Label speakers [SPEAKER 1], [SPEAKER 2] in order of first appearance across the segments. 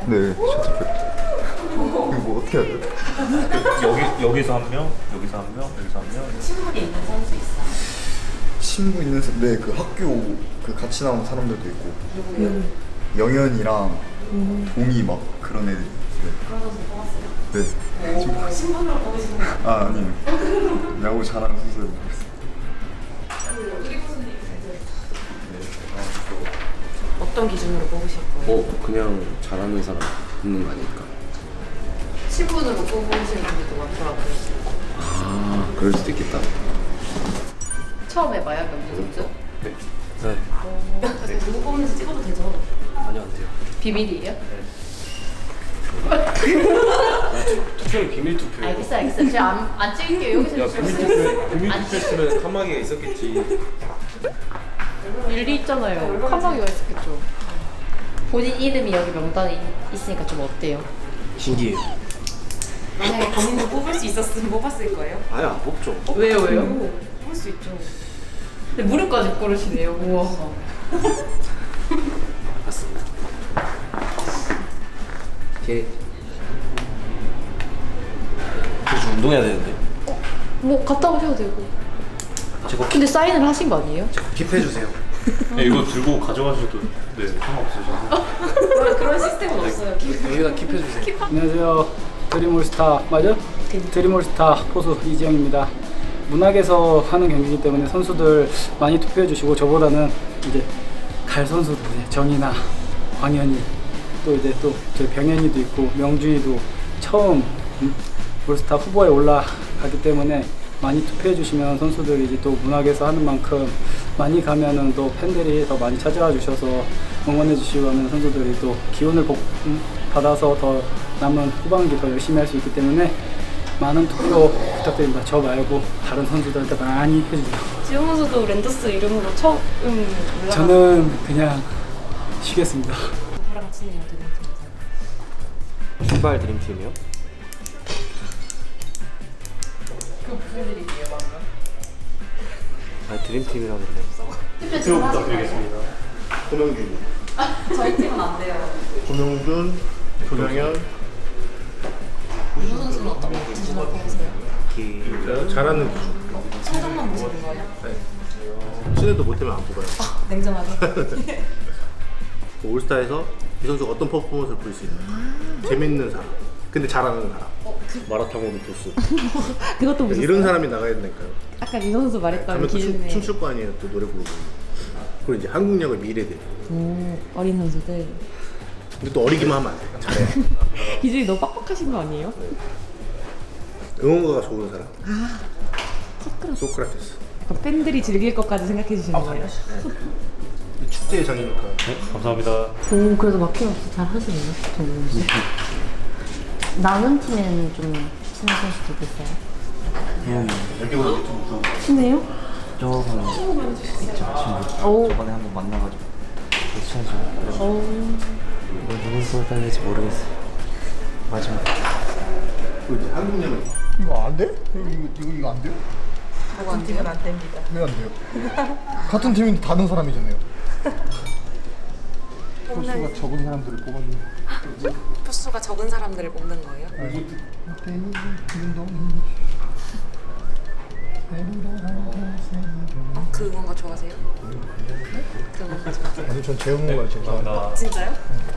[SPEAKER 1] 네, 셔틀백. 이거 뭐 어떻게 해야 돼?
[SPEAKER 2] 여기서 한 명, 여기서 한 명, 여기서 한 명.
[SPEAKER 3] 친분이 있는 선수 있어요?
[SPEAKER 1] 친구 있는 네, 그 학교 그 같이 나온 사람들도 있고. 영현이랑 동이 막 그런 애들. 네.
[SPEAKER 3] 그런 선수 뽑았어요?
[SPEAKER 1] 네.
[SPEAKER 3] 친분으로 뽑으시는 거예요?
[SPEAKER 1] 아, 아니요. 야구 잘하는 선수들 모르겠어요.
[SPEAKER 3] 어떤 기준으로 뽑으실 거예요?
[SPEAKER 4] 그냥 잘하는 사람 있는 거 아닐까?
[SPEAKER 3] 친분으로 뽑으시는 분들도 많더라고요.
[SPEAKER 4] 아, 그럴 수도 있겠다.
[SPEAKER 3] 처음 해봐요, 명진 선수?
[SPEAKER 4] 네.
[SPEAKER 3] 그래서 누구 뽑는지 찍어도 되죠?
[SPEAKER 4] 아니요, 안 돼요.
[SPEAKER 3] 비밀이에요?
[SPEAKER 4] 투표는 비밀 투표예요.
[SPEAKER 3] 알겠어요. 제가 안 찍을게요. 여기서 찍으세요.
[SPEAKER 4] 비밀 투표했으면 칸막이가 있었겠지.
[SPEAKER 3] 일리 있잖아요. 칸막이가 있었겠죠. 본인 이름이 여기 명단에 있으니까 좀 어때요?
[SPEAKER 4] 신기해요.
[SPEAKER 3] 만약에 본인도 뽑을 수 있었으면 뽑았을 거예요?
[SPEAKER 4] 아예 안 뽑죠.
[SPEAKER 3] 왜요? 뽑을 수 있죠. 근데 무릎까지 꿇으시네요. 우와.
[SPEAKER 4] 맞습니다. 오케이. 저 운동해야 되는데.
[SPEAKER 3] 뭐 갔다 오셔도 되고.
[SPEAKER 4] 제가
[SPEAKER 3] 근데 사인을 하신 거 아니에요?
[SPEAKER 4] 킵해 주세요.
[SPEAKER 2] 네, 이거 들고 가져가셔도 네, 상관없으셔서.
[SPEAKER 3] 그런 시스템은 없어요.
[SPEAKER 4] 여기다 킵해 주세요.
[SPEAKER 5] 안녕하세요. 드림올스타 맞아? 드림올스타 포수 이지영입니다. 문학에서 하는 경기이기 때문에 선수들 많이 투표해 주시고 저보다는 이제 갈 선수들 정이나 광현이 또 이제 또 저희 병현이도 있고 명준이도 처음 올스타 후보에 올라가기 때문에 많이 투표해 주시면 선수들이 이제 또 문학에서 하는 만큼 많이 가면은 또 팬들이 더 많이 찾아와 주셔서 응원해 주시고 하면 선수들이 또 기운을 받아서 더 남은 후반기 더 열심히 할 수 있기 때문에 많은 투표 부탁드립니다. 저 말고 다른 선수들한테 많이 해주세요.
[SPEAKER 6] 지용 선수도 랜더스 이름으로 처음 올라가.
[SPEAKER 5] 저는 그냥 쉬겠습니다.
[SPEAKER 3] 누구랑 친해요, 드림팀에서?
[SPEAKER 4] 출발 드림팀이요?
[SPEAKER 3] 그 무슨 드림이에요, 방금?
[SPEAKER 4] 아, 드림팀이라고 그래요.
[SPEAKER 3] 투표 부탁드리겠습니다.
[SPEAKER 1] 고명준.
[SPEAKER 3] 저희 팀은 안 돼요.
[SPEAKER 1] 고명준, 조명현.
[SPEAKER 3] 윤호 선수는 어떤 기준으로 뽑으세요?
[SPEAKER 1] 잘하는 기준.
[SPEAKER 3] 성적만 보시는 거예요?
[SPEAKER 1] 친해도 못하면 안 뽑아요.
[SPEAKER 3] 냉정하게.
[SPEAKER 1] 올스타에서 이 선수가 어떤 퍼포먼스를 보일 수 있는 재밌는 사람. 근데 잘하는 사람.
[SPEAKER 4] 마라탕 오는 보스.
[SPEAKER 6] 그것도 보셨어요?
[SPEAKER 1] 이런 사람이 나가야 된다니까요.
[SPEAKER 6] 아까 이 선수 말했던
[SPEAKER 1] 가면 또
[SPEAKER 6] 기준에
[SPEAKER 1] 춤출 거 아니에요. 또 노래 부르고. 그리고 이제 한국역의 미래들.
[SPEAKER 6] 어린 선수들
[SPEAKER 1] 근데 또 어리기만 하면 안 돼. 잘해.
[SPEAKER 6] 기준이 너무 빡빡하신 거 아니에요?
[SPEAKER 1] 응원가가 좋은 사람. 소크라테스.
[SPEAKER 6] 약간 팬들이 즐길 것까지 생각해 주시는 거예요?
[SPEAKER 1] 축제의 장이니까.
[SPEAKER 2] 네, 감사합니다.
[SPEAKER 7] 오, 그래도 막힘 없이 잘 하시네요, 정우 씨. 남은 팀에는 좀 친한 선수도 있어요?
[SPEAKER 1] 여기보다 유튜브
[SPEAKER 7] 친해요?
[SPEAKER 8] 조금 있죠 친구.
[SPEAKER 7] 오.
[SPEAKER 8] 저번에 한번 만나가지고 친해지고 뭐 누굴 뽑아야 지 모르겠어요. 마지막
[SPEAKER 1] 이제 한국역은 이거 안 돼? 이거 안 돼요?
[SPEAKER 3] 같은 팀은 안 됩니다.
[SPEAKER 1] 왜 안 돼요? 같은 팀인데 다른 사람이잖아요. 표수가 적은 사람들을 뽑아주는.
[SPEAKER 3] 표수가 적은 사람들을 뽑는 거예요? 그 응원가 좋아하세요? 그 응원가 좋아하세요?
[SPEAKER 1] 아니 전 재흥을 제일 좋아합니다.
[SPEAKER 3] 진짜요?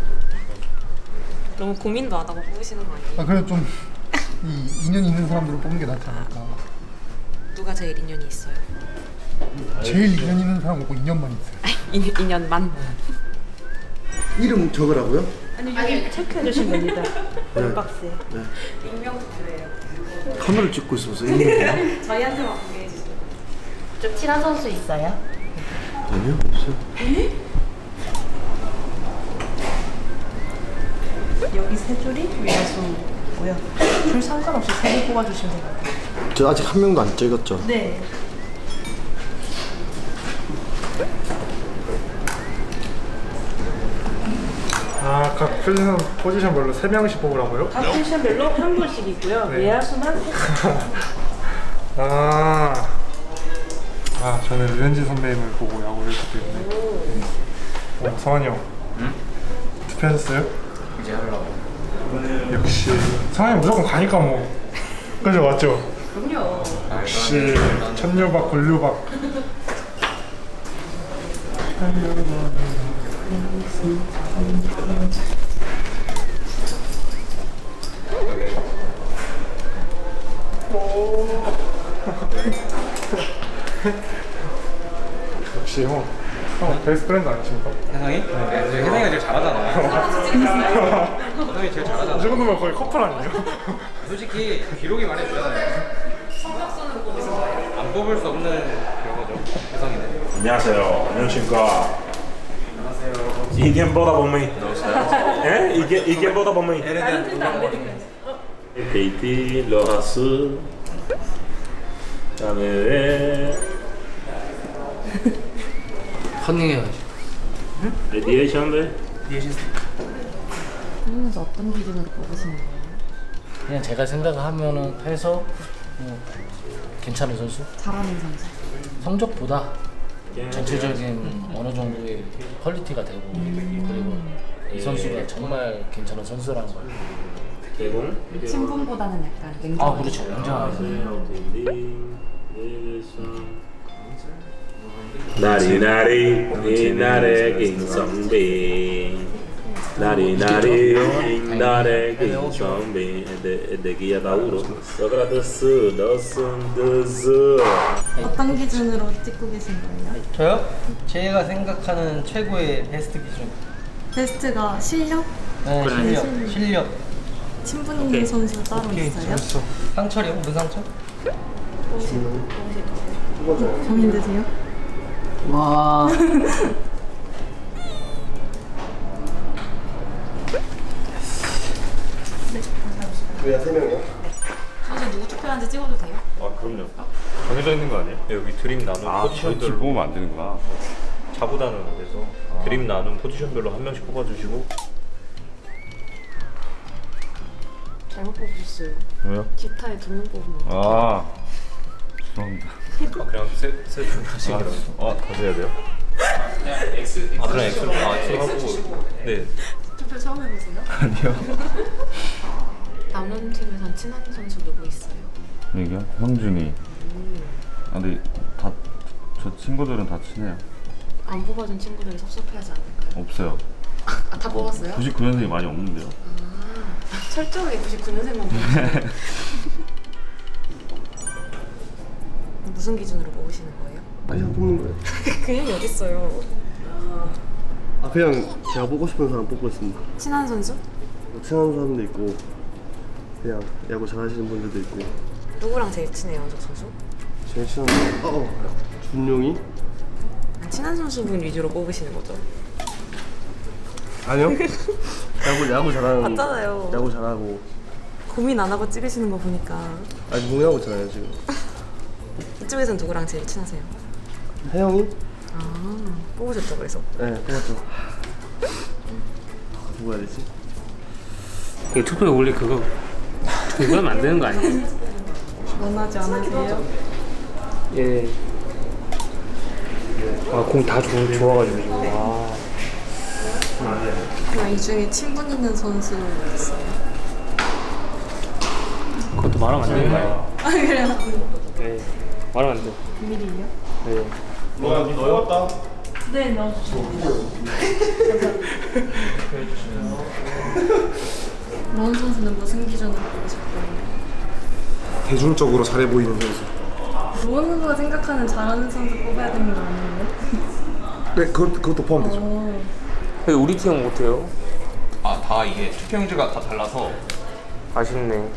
[SPEAKER 3] 너무 고민도 안 하고 뽑으시는 거 아니에요?
[SPEAKER 1] 아 그래 좀 이 인연 있는 사람들을 뽑는 게 낫지 않을까.
[SPEAKER 3] 누가 제일 인연이 있어요?
[SPEAKER 1] 제일 인연 있는 사람 없고 인연만 있어요.
[SPEAKER 3] 인연만?
[SPEAKER 1] 이름 적으라고요?
[SPEAKER 6] 아니 체크해 주시면 됩니다. 박스에.
[SPEAKER 3] 익명 투표예요.
[SPEAKER 4] 카메라 찍고 있어서 있는
[SPEAKER 3] 저희한테만 공개해 주세요.
[SPEAKER 7] 좀 친한 선수 있어요?
[SPEAKER 4] 아니요, 없어요.
[SPEAKER 6] 여기 세 줄이 외야수고요. 줄 상관없이 세 개 뽑아주시면 됩니다.
[SPEAKER 4] 저 아직 한 명도 안 찍었죠?
[SPEAKER 6] 네.
[SPEAKER 9] 아, 각 포지션별로 3명씩 뽑으라고요?
[SPEAKER 6] 각 포지션별로 한 분씩 있고요.
[SPEAKER 9] 네.
[SPEAKER 6] 외야수만 세
[SPEAKER 9] 아, 저는 류현진 선배님을 보고 야구를 했기 때문에. 성환이 형, 투표하셨어요?
[SPEAKER 5] 이제 하려고.
[SPEAKER 9] 역시 상황이 무조건 가니까 뭐 그죠 맞죠?
[SPEAKER 3] 그럼요.
[SPEAKER 9] 역시 천류박 굴류박. 역시 형 베스트 프렌드 아니십니까?
[SPEAKER 5] 혜성이? 네, 혜성이가 제일 잘하잖아. 혜성이 제일 잘하잖아.
[SPEAKER 9] 이 정도면 거의 커플 아니에요?
[SPEAKER 5] 솔직히 기록이 말해주잖아요. 성적순으로 뽑으신 거예요? 안 뽑을 수 없는 그거죠. 혜성이는.
[SPEAKER 2] 안녕하세요. 안녕하십니까. 안녕하세요. 이겐보다 범위. 에? 이겐보다 범위. KT 로하스. 그다음에
[SPEAKER 5] 컨닝해가지고.
[SPEAKER 2] 레디에이션데.
[SPEAKER 7] 그러면서 어떤 기준으로 뽑으시는 거예요?
[SPEAKER 5] 그냥 제가 생각을 하면은 해서 뭐 괜찮은 선수?
[SPEAKER 7] 잘하는 선수.
[SPEAKER 5] 성적보다 전체적인 어느 정도의 퀄리티가 되고 그리고 이 선수가 정말 괜찮은 선수라는 걸.
[SPEAKER 2] 개공.
[SPEAKER 7] 친분보다는 약간 냉정.
[SPEAKER 5] 아 그렇죠. 굉장하죠.
[SPEAKER 2] 나리나리 이날의 김성빈 나리나리 이날의 김성빈 에데기야 다우로 소크라테스 너슨드스.
[SPEAKER 6] 어떤 기준으로 찍고 계신 거예요?
[SPEAKER 8] 저요? 제가 생각하는 최고의 베스트 기준.
[SPEAKER 6] 베스트가 실력?
[SPEAKER 8] 네, 실력.
[SPEAKER 6] 친분 있는 선수 따로 있어요?
[SPEAKER 8] 상철이요? 무슨 상철?
[SPEAKER 6] 고민되세요?
[SPEAKER 5] 와.
[SPEAKER 4] 왜야 3명이야?
[SPEAKER 6] 선수 누구 투표하는지 찍어도 돼요?
[SPEAKER 2] 아 그럼요. 정해져 있는 거 아니에요? 여기 드림 나눔 포지션별로
[SPEAKER 10] 뽑으면 안 되는구나.
[SPEAKER 2] 자부다는 데서 드림 나눔 포지션별로 한 명씩 뽑아주시고.
[SPEAKER 3] 잘못 뽑으셨어요.
[SPEAKER 10] 왜요?
[SPEAKER 3] 기타에 2명 뽑으면.
[SPEAKER 10] 아 죄송합니다.
[SPEAKER 2] 그냥 세분 하시더라고요.
[SPEAKER 10] 다시 해야 돼요?
[SPEAKER 2] 그냥 엑셀 하고. 네.
[SPEAKER 3] 투표 처음 해보세요?
[SPEAKER 10] 아니요.
[SPEAKER 3] 남은 팀에선 친한 선수 누구 있어요?
[SPEAKER 10] 여기요? 형준이. 근데 저 친구들은 다 친해요.
[SPEAKER 3] 안 뽑아준 친구들이 섭섭해하지 않을까요?
[SPEAKER 10] 없어요.
[SPEAKER 3] 아, 다 뽑았어요?
[SPEAKER 10] 99년생이 많이 없는데요.
[SPEAKER 3] 철저하게 99년생만 뽑으시네요. 무슨 기준으로 뽑으시는 거예요?
[SPEAKER 4] 그냥 뽑는 거예요.
[SPEAKER 3] 그냥 어딨어요.
[SPEAKER 4] 그냥 제가 뽑고 싶은 사람 뽑고 있습니다.
[SPEAKER 6] 친한 선수?
[SPEAKER 4] 뭐 친한 사람도 있고 그냥 야구 잘하시는 분들도 있고.
[SPEAKER 3] 누구랑 제일 친해요, 저 선수?
[SPEAKER 4] 제일 친한 사람 준용이?
[SPEAKER 3] 친한 선수분 위주로 뽑으시는 거죠?
[SPEAKER 4] 아니요. 야구 잘하는.
[SPEAKER 6] 맞잖아요.
[SPEAKER 4] 야구 잘하고.
[SPEAKER 6] 고민 안 하고 찍으시는 거 보니까
[SPEAKER 4] 아직 농구하고 있잖아요 지금.
[SPEAKER 6] 이쪽에선 누구랑 제일 친하세요?
[SPEAKER 4] 혜영이?
[SPEAKER 6] 아, 뽑으셨죠 그래서?
[SPEAKER 4] 네 뽑았죠. 누구 해야 되지?
[SPEAKER 5] 그 투표에 원래 그거 하면 안 되는 거 아니에요?
[SPEAKER 6] 원하지 않으세요?
[SPEAKER 5] 예. 공 다 좋아가지고.
[SPEAKER 6] 그럼 이 중에 친분 있는 선수 있어요?
[SPEAKER 5] 그것도 말하면 안 되는 거 아니에요?
[SPEAKER 6] 아 그래요?
[SPEAKER 5] 네. 말하면 안 돼.
[SPEAKER 6] 비밀이에요?
[SPEAKER 5] 네.
[SPEAKER 1] 너였다.
[SPEAKER 6] 네 넣어주세요. 로운 선수는 무슨 기준으로 뽑으실 거예요?
[SPEAKER 9] 대중적으로 잘해 보이는 선수.
[SPEAKER 6] 로운 선수가 생각하는 잘하는 선수 뽑아야 되는 거 아니에요?
[SPEAKER 9] 네 그것도 포함되죠.
[SPEAKER 5] 우리 팀은 못해요.
[SPEAKER 8] 다 이게 투표용지가 다 달라서.
[SPEAKER 5] 아쉽네.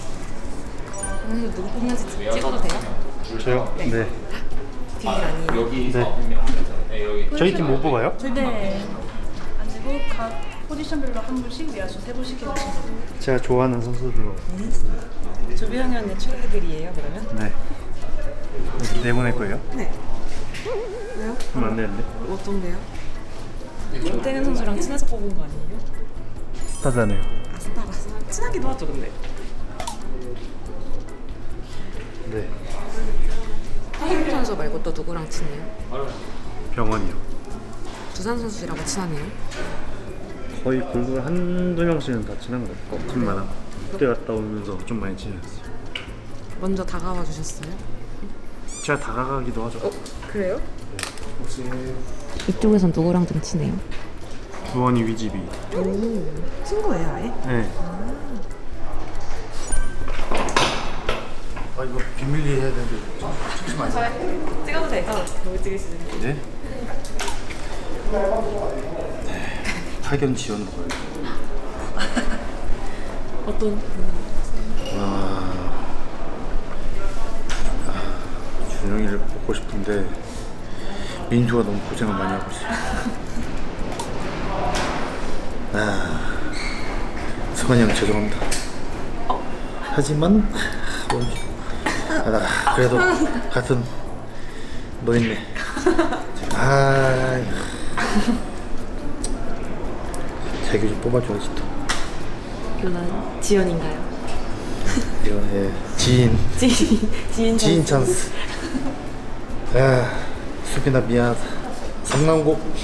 [SPEAKER 6] 누구 뽑는지 찍어도 돼요?
[SPEAKER 1] 저요? 네.
[SPEAKER 6] 비밀 아니에요?
[SPEAKER 8] 여기서
[SPEAKER 1] 저희 팀 못 뽑아요?
[SPEAKER 11] 네. 아니고 각 포지션별로 한 분씩 외야수 3분씩 해주신 거예요.
[SPEAKER 1] 제가 좋아하는 선수들로.
[SPEAKER 6] 조비형현의 최애들이에요 그러면?
[SPEAKER 1] 네. 내보낼 거예요?
[SPEAKER 6] 네. 왜요?
[SPEAKER 1] 그럼 안 되는데.
[SPEAKER 6] 어떤데요? 김태균 선수랑 친해서 뽑은 거 아니에요?
[SPEAKER 1] 스타잖아요.
[SPEAKER 6] 아 스타라서 친하기도 하죠 근데.
[SPEAKER 1] 네.
[SPEAKER 3] 태균 선수 말고 또 누구랑 친해요?
[SPEAKER 1] 병원이요.
[SPEAKER 3] 두산 선수랑은 친하네요.
[SPEAKER 4] 거의 골드 한두 명씩은 다 친한 것 같아요. 팀마다. 그때 갔다 오면서 좀 많이 친해졌어요.
[SPEAKER 6] 먼저 다가와 주셨어요?
[SPEAKER 4] 제가 다가가기도 하죠.
[SPEAKER 6] 그래요?
[SPEAKER 4] 혹시
[SPEAKER 7] 이쪽에선 누구랑 좀 친해요?
[SPEAKER 4] 주원이 위집이.
[SPEAKER 6] 친구예요 아예?
[SPEAKER 4] 네.
[SPEAKER 1] 아 이거 비밀리 해야 되는데 찍지 마세요.
[SPEAKER 6] 찍어도 되죠? 너무 찍으시는
[SPEAKER 1] 네? 학연 지원 거예요.
[SPEAKER 6] 어떤?
[SPEAKER 1] 준영이를 보고 싶은데 민주가 너무 고생을 많이 하고 있어요. 승환이 형 죄송합니다. 하지만 그래도 같은 노인네. 자기 좀 뽑아줘야지 또.
[SPEAKER 6] 물론 지연인가요?
[SPEAKER 1] 이건 지인
[SPEAKER 6] 지인
[SPEAKER 1] 찬스. 수빈아 미안하다. 성남곡.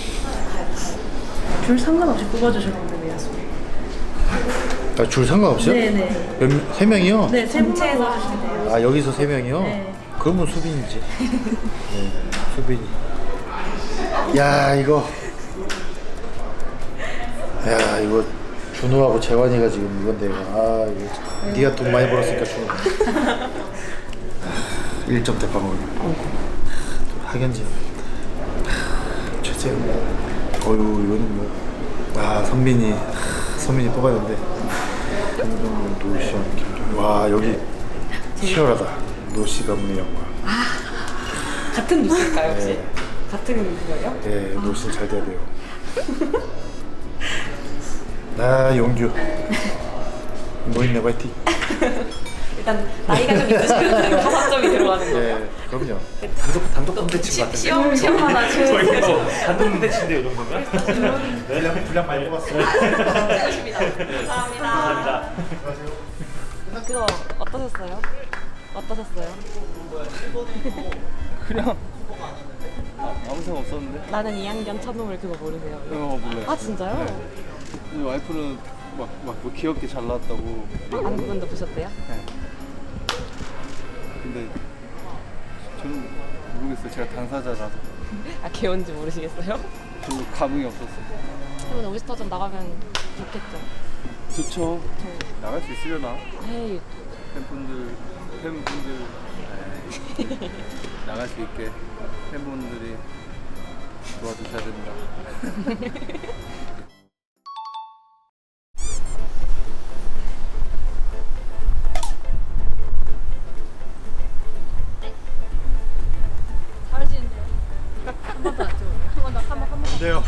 [SPEAKER 6] 줄 상관없이 뽑아주셨는데 왜 하세요?
[SPEAKER 1] 줄 상관없이요?
[SPEAKER 6] 네네.
[SPEAKER 1] 세 명이요?
[SPEAKER 6] 네, 전체에서 하시면 돼요.
[SPEAKER 1] 여기서 세 명이요?
[SPEAKER 6] 네.
[SPEAKER 1] 그러면 수빈이지. 네, 수빈이. 이거 준호하고 재환이가 지금 이건데 이거 네가 돈 많이 벌었으니까 준호. 1점 대빵을. 학연지. 최재. 이거는 뭐. 선민이 뽑았는데. 김정은, 노시현, 김정은. 여기 치열하다. 노시가 문의 영화.
[SPEAKER 6] 같은 뉴스일까요 혹시? 같은 뉴스예요?
[SPEAKER 1] 네, 노시 잘 돼야 돼요. 용규. 노인네 화이팅.
[SPEAKER 6] 일단 나이가 좀 있으시면 가산점이 들어가는 거예요.
[SPEAKER 1] 네, 그럼요. 단독 콘텐츠 같은
[SPEAKER 6] 시험마다
[SPEAKER 2] 저희 뭐 단독 콘텐츠인데 이 정도면?
[SPEAKER 1] 분량 많이 뽑았어요.
[SPEAKER 6] 감사합니다. 그거 어떠셨어요?
[SPEAKER 4] 그냥 아무 생각 없었는데.
[SPEAKER 6] 나는 2학년 첫놈을 그거 모르세요?
[SPEAKER 4] 몰라요.
[SPEAKER 6] 진짜요?
[SPEAKER 4] 근데 와이프는 막 뭐 귀엽게 잘 나왔다고.
[SPEAKER 6] 아는 분도 보셨대요?
[SPEAKER 4] 근데 저는 모르겠어요. 제가 당사자라서
[SPEAKER 6] 개원지 모르시겠어요?
[SPEAKER 4] 별로 감흥이 없었어요.
[SPEAKER 6] 그러면 올스타전 나가면 좋겠죠?
[SPEAKER 4] 좋죠. 나갈 수 있으려나?
[SPEAKER 6] 에이,
[SPEAKER 4] 팬분들 나갈 수 있게 팬분들이 도와주셔야 됩니다.
[SPEAKER 1] 네요.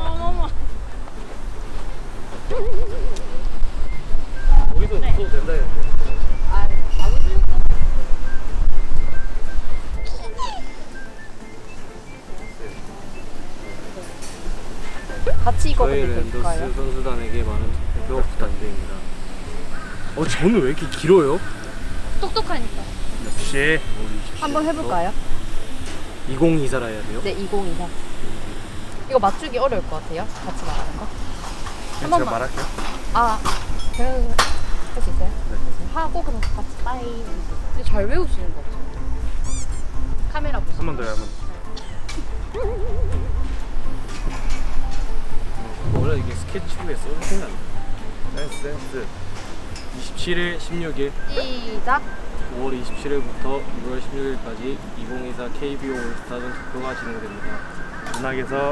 [SPEAKER 2] 여기서 써도 된다 했는데.
[SPEAKER 3] 같이 읽어도
[SPEAKER 8] 저희
[SPEAKER 3] 될까요?
[SPEAKER 8] 랜더스 선수단에게 많은 투표 부탁드립니다. 저는 왜 이렇게 길어요?
[SPEAKER 3] 똑똑하니까.
[SPEAKER 8] 역시
[SPEAKER 3] 한번 해볼까요?
[SPEAKER 8] 2024라 해야 돼요?
[SPEAKER 3] 네, 2024. 이거 맞추기 어려울 것 같아요. 같이 말하는 거. 한 번만.
[SPEAKER 4] 말할게요.
[SPEAKER 3] 그래도 할 수 있어요? 네. 하고 그럼 같이 빠이. 근데 잘 외우시는 거 같아요. 카메라 보시고.
[SPEAKER 4] 한 번 더요, 한 번.
[SPEAKER 8] 원래 이게 스케치북에 써도 되나? 센스. 27일, 16일,
[SPEAKER 3] 시작.
[SPEAKER 8] 5월 27일부터 6월 16일까지 2024 KBO 올스타전 투표가 진행됩니다.
[SPEAKER 4] 문학에서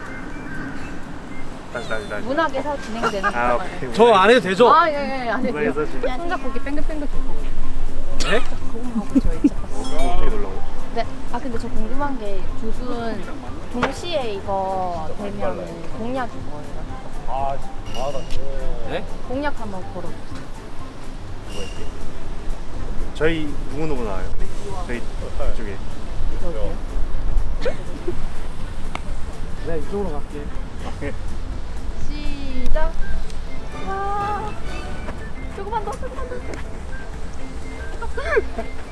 [SPEAKER 4] 다시.
[SPEAKER 3] 문학에서 진행되는
[SPEAKER 4] 오케이.
[SPEAKER 8] 저 안 해도 되죠?
[SPEAKER 3] 예, 안 해도 돼요.
[SPEAKER 4] 문학에서 진행.
[SPEAKER 3] 손잡고 이렇게 뺑글뺑글 돌 거거든요.
[SPEAKER 8] 네?
[SPEAKER 3] 그거만 하고 저희 차.
[SPEAKER 4] 어떻게 놀라고?
[SPEAKER 3] 네. 근데 저 궁금한 게 조순 동시에 이거 되면 공약인 거예요?
[SPEAKER 8] 네?
[SPEAKER 3] 공약 한번 걸어주세요.
[SPEAKER 4] 저희 누구 나와요? 저희 쪽에.
[SPEAKER 3] 여기요?
[SPEAKER 8] 내가 이쪽으로 갈게.
[SPEAKER 3] 시작. 조금만 더.